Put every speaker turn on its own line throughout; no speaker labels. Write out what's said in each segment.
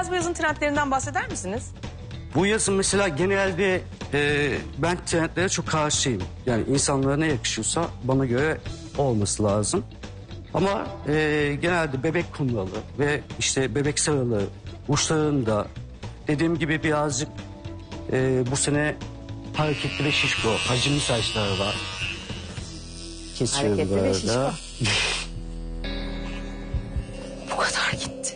Biraz bu yazın trendlerinden bahseder misiniz?
Bu yazın mesela genelde ben trendlere çok karşıyım. Yani insanlara ne yakışıyorsa bana göre olması lazım. Ama genelde bebek kumralı ve işte bebek sarılı uçlarında dediğim gibi birazcık bu sene hareketli ve şişko, hacimli saçları var. Kesiyorum
Hareketli ve
böyle.
şişko. Bu kadar gitti.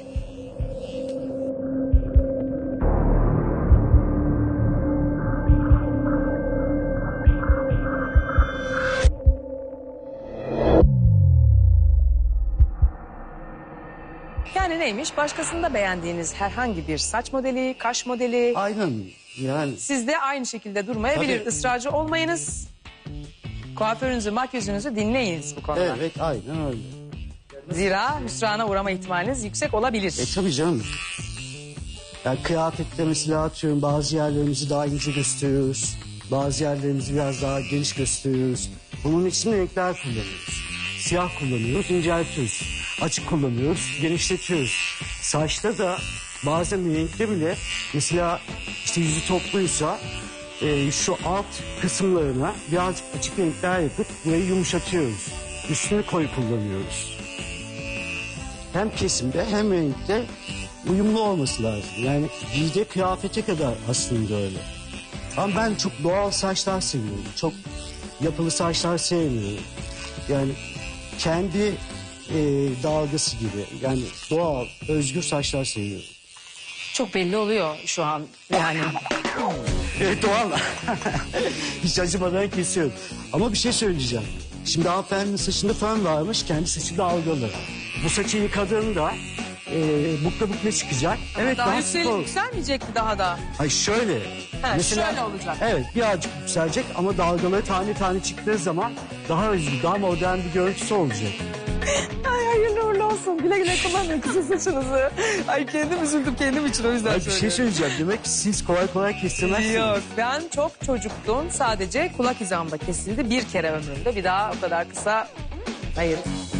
Yani neymiş? Başkasında beğendiğiniz herhangi bir saç modeli, kaş modeli...
Aynen yani.
Sizde aynı şekilde durmayabilir.
Tabii.
Israrcı olmayınız. Kuaförünüzü, makyözünüzü dinleyiniz bu konuda.
Evet aynen öyle.
Zira hüsrana uğrama ihtimaliniz yüksek olabilir.
Tabii canım. Yani kıyafette mesela atıyorum bazı yerlerimizi daha ince gösteriyoruz. Bazı yerlerimizi biraz daha geniş gösteriyoruz. Bunun için renkler kullanıyoruz. Siyah kullanıyoruz, inceltiyoruz. Açık kullanıyoruz, genişletiyoruz. Saçta da bazen renkte bile mesela işte yüzü topluysa şu alt kısımlarına birazcık açık renkler yapıp burayı yumuşatıyoruz. Üstünü koyu kullanıyoruz. Hem kesimde hem renkte uyumlu olması lazım. Yani giyde kıyafete kadar aslında öyle. Ama ben çok doğal saçlar seviyorum. Çok yapılı saçlar sevmiyorum. Yani kendi dalgası gibi. Yani doğal, özgür saçlar seviyorum.
Çok belli oluyor şu an yani.
Evet doğal. Hiç acımadan kesiyorum. Ama bir şey söyleyeceğim. Şimdi hanımefendinin saçında fön varmış, kendi saçı dalgalı. Bu saçı yıkadığında bukla bukla çıkacak. Evet,
Daha
sık olur.
yükselmeyecek mi daha da?
Ay şöyle.
Şöyle olacak.
Evet birazcık yükselecek ama dalgaları tane tane çıktığı zaman daha özgür, daha modern bir görüntüsü olacak.
Ay hayırlı uğurlu olsun. Güle güle kullanın kısa saçınızı. Ay kendim üzüldüm kendim için o yüzden
Ay bir şey söyleyeceğim. Demek ki siz kolay kolay kestirmezsiniz.
Yok ben çok çocuktum. Sadece kulak hizamda kesildi bir kere ömrümde. Bir daha o kadar kısa hayır.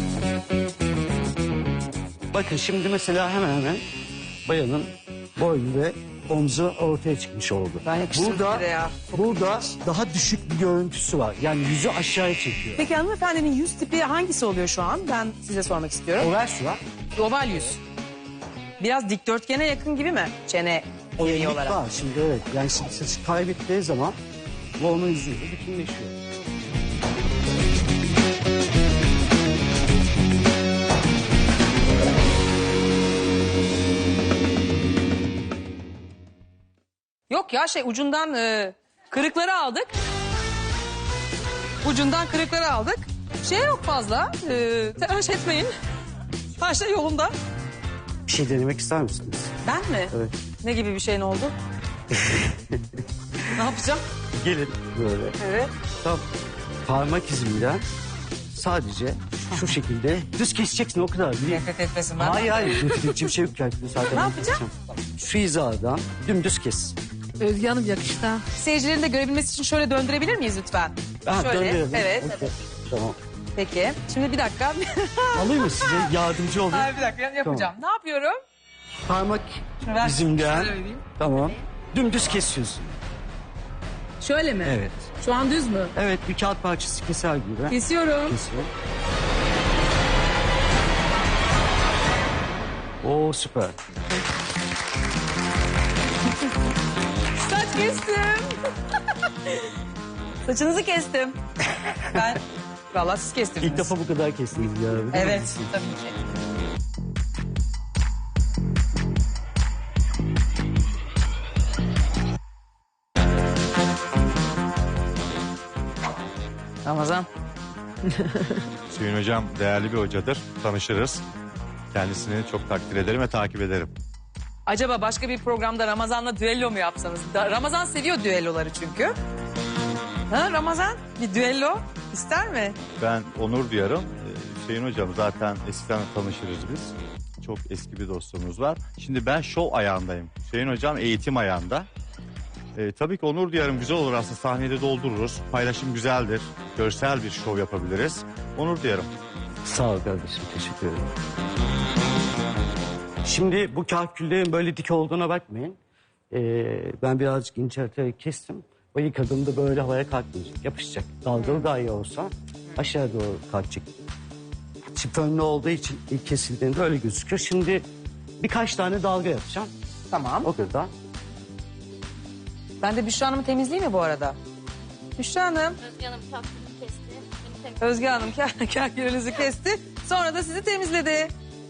Bakın şimdi mesela hemen hemen bayanın boynu ve omzu ortaya çıkmış oldu.
Ben yakıştırdım
Burada,
bir de ya.
burada daha düşük bir görüntüsü var. Yani yüzü aşağıya çekiyor.
Peki hanımefendinin yüz tipi hangisi oluyor şu an? Ben size sormak istiyorum.
Overs var.
Oval yüz. Biraz dikdörtgene yakın gibi mi? Çene
O
yemeği
yenilik
olarak.
var şimdi evet. Yani şimdi saçı kaybettiği zaman bu onun yüzüyle bütünleşiyor.
Yok ya ucundan kırıkları aldık. Ucundan kırıkları aldık. Yok fazla. Telaş etmeyin. Her şey yolunda.
Bir şey denemek ister misiniz?
Ben mi?
Evet.
Ne gibi bir şey ne oldu? Ne yapacağım?
Gelin böyle.
Evet.
Tam parmak izimden sadece şu şekilde düz keseceksin o kadar.
Nefret etmesin benden.
Hayır hayır. Hiçbir şey yok yani. Zaten
Ne yapacağım?
Şu hizadan dümdüz kes.
Özge Hanım yakıştı.
Seyircilerin de görebilmesi için şöyle döndürebilir miyiz lütfen? Şöyle.
Döndürelim.
Evet.
Okey. Tamam.
Peki. Şimdi bir dakika.
Alayım mı size yardımcı olayım?
Hayır bir dakika yapacağım. Ne yapıyorum?
Parmak
Şunu ver.
izimden.
Şöyle vereyim.
Tamam. Dümdüz kesiyorsun.
Şöyle mi?
Evet.
Şu an düz mü?
Evet bir kağıt parçası keser gibi.
Kesiyorum.
Kesiyor. Oo süper.
Saç kestim. Saçınızı kestim. Ben vallahi siz kestirdiniz.
İlk defa bu kadar kestiniz ya. değil mi?
Evet tabii ki. Ramazan.
Hüseyin Hocam değerli bir hocadır. Tanışırız. Kendisini çok takdir ederim ve takip ederim.
Acaba başka bir programda Ramazan'la düello mu yapsanız? Ramazan seviyor düelloları çünkü. Ha Ramazan bir düello ister mi?
Ben onur duyarım. Hüseyin Hocam zaten eskiden tanışırız biz. Çok eski bir dostluğumuz var. Şimdi ben şov ayağındayım. Hüseyin Hocam eğitim ayağında. Tabii ki onur duyarım. Güzel olur aslında, sahnede doldururuz. Paylaşım güzeldir. Görsel bir şov yapabiliriz. Onur duyarım.
Sağ ol kardeşim teşekkür ederim. Şimdi bu kahküllerin böyle dik olduğuna bakmayın. Ben birazcık incelterek kestim. O yıkadığımda böyle havaya kalkmayacak, yapışacak. Dalgalı dahi olsa aşağı doğru kalkacak. Çift olduğu için ilk kesildiğinde öyle gözüküyor. Şimdi birkaç tane dalga yapacağım.
Tamam.
O kadar.
Ben de Büşra Hanım'ı temizleyeyim mi bu arada? Büşra Hanım,
Özge Hanım tatlını kesti. Beni temizledi.
Özge Hanım kahkülünüzü kesti. Sonra da sizi temizledi.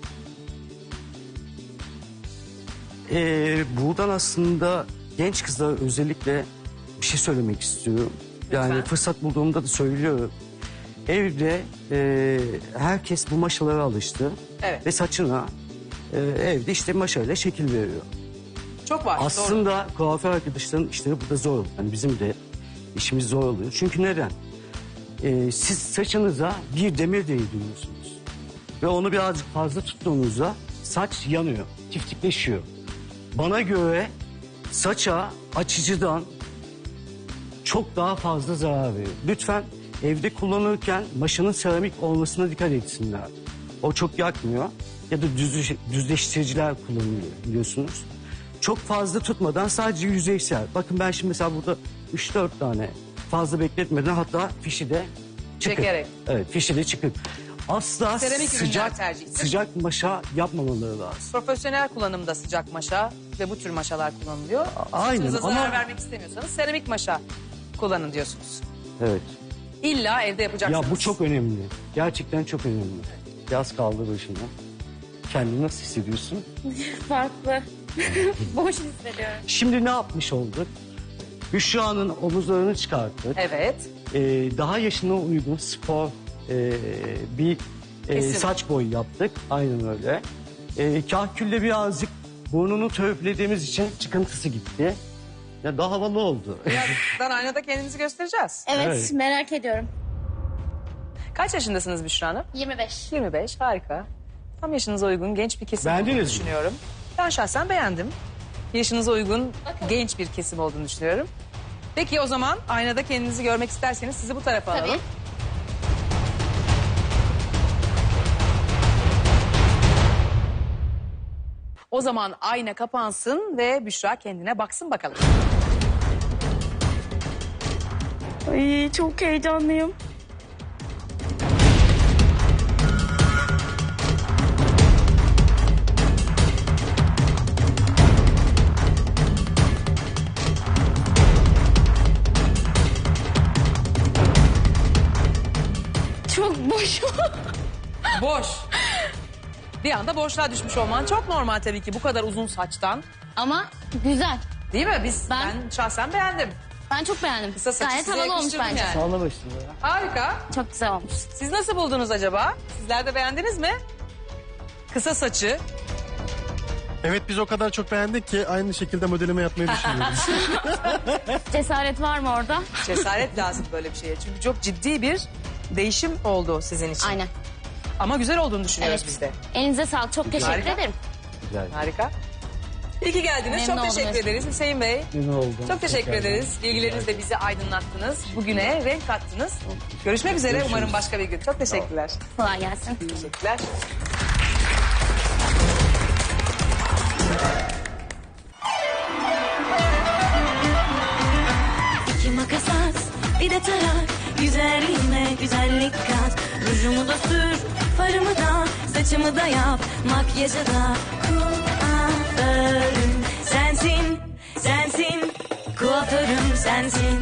Buradan aslında genç kızlara özellikle bir şey söylemek istiyorum. Yani
Lütfen.
fırsat bulduğumda da söylüyorum. Evde herkes bu maşalara alıştı.
Evet.
Ve saçına evde işte maşayla şekil veriyor.
Çok var. Doğru.
Aslında kuaför arkadaşların işleri burada zor oluyor. Yani bizim de işimiz zor oluyor. Çünkü neden? Siz saçınıza bir demir değdiriyorsunuz. Ve onu birazcık fazla tuttuğunuzda saç yanıyor, tiftikleşiyor. Bana göre saça açıcıdan çok daha fazla zarar veriyor. Lütfen evde kullanırken maşanın seramik olmasına dikkat etsinler. O çok yakmıyor. Ya da düzleştiriciler kullanılıyor biliyorsunuz. Çok fazla tutmadan sadece yüzeysel. Bakın ben şimdi mesela burada 3-4 tane fazla bekletmeden hatta fişi de çıkıp.
Çekerek.
Evet, fişi de çıkıp. Asla
Seramik ürünler tercih etsin.
sıcak maşa yapmamaları lazım.
Profesyonel kullanımda sıcak maşa ve bu tür maşalar kullanılıyor.
Aynen
Saçınıza zarar
ama
vermek istemiyorsanız seramik maşa kullanın diyorsunuz.
evet.
İlla evde yapacaksınız.
Ya bu çok önemli. Gerçekten çok önemli. Yaz kaldı başına. Kendini nasıl hissediyorsun?
Farklı. Boş hissediyorum.
Şimdi ne yapmış olduk? Büşra'nın omuzlarını çıkarttık.
Evet.
Daha yaşına uygun spor bir
Kesim.
saç boyu yaptık. Aynen öyle. Kahkülle birazcık burnunu törpülediğimiz için çıkıntısı gitti. Ya daha havalı oldu.
Birazdan aynada kendinizi göstereceğiz.
Evet,
Evet.
merak ediyorum.
Kaç yaşındasınız Büşra Hanım?
25.
25, harika. Tam yaşınıza uygun genç bir kesim
Beğendiniz
olduğunu
mi?
düşünüyorum. Ben şahsen beğendim. Yaşınıza uygun
Bakalım.
genç bir kesim olduğunu düşünüyorum. Peki o zaman aynada kendinizi görmek isterseniz sizi bu tarafa
Tabii.
alalım. O zaman ayna kapansın ve Büşra kendine baksın bakalım.
Ay çok heyecanlıyım. Çok boş.
Boş. Bir anda boşluğa düşmüş olman çok normal tabii ki bu kadar uzun saçtan.
Ama güzel.
Değil mi? Ben şahsen beğendim.
Ben çok beğendim.
Kısa saçı
Gayet
size
havalı olmuş
yakıştırdım
bence.
yani.
Sağla başını ya.
Harika.
Çok güzel olmuş.
Siz nasıl buldunuz acaba? Sizler de beğendiniz mi? Kısa saçı.
Evet biz o kadar çok beğendik ki aynı şekilde modeleme yapmayı düşünüyoruz.
Cesaret var mı orada?
Cesaret lazım böyle bir şeye. Çünkü çok ciddi bir değişim oldu sizin için.
Aynen.
Ama güzel olduğunu düşünüyoruz
Evet.
biz de.
Elinize sağlık. Çok teşekkür
Harika.
ederim.
Güzel.
Harika. İyi ki geldiniz.
Memnun
çok
oldum
teşekkür
Özlem.
ederiz Hüseyin Bey.
Memnun oldum.
Çok teşekkür
Tekrardan.
ederiz. Bilgilerinizle bizi aydınlattınız. Bugüne renk kattınız. Görüşmek üzere.
Görüşürüz.
Umarım başka bir gün. Çok teşekkürler.
Kolay gelsin.
Teşekkürler.
İki makas at, bir de tarak. Güzelliğime güzellik kat. Rujumu da sür, farımı da, saçımı da yap. Makyajı da kuaförüm sensin, sensin. Kuaförüm sensin.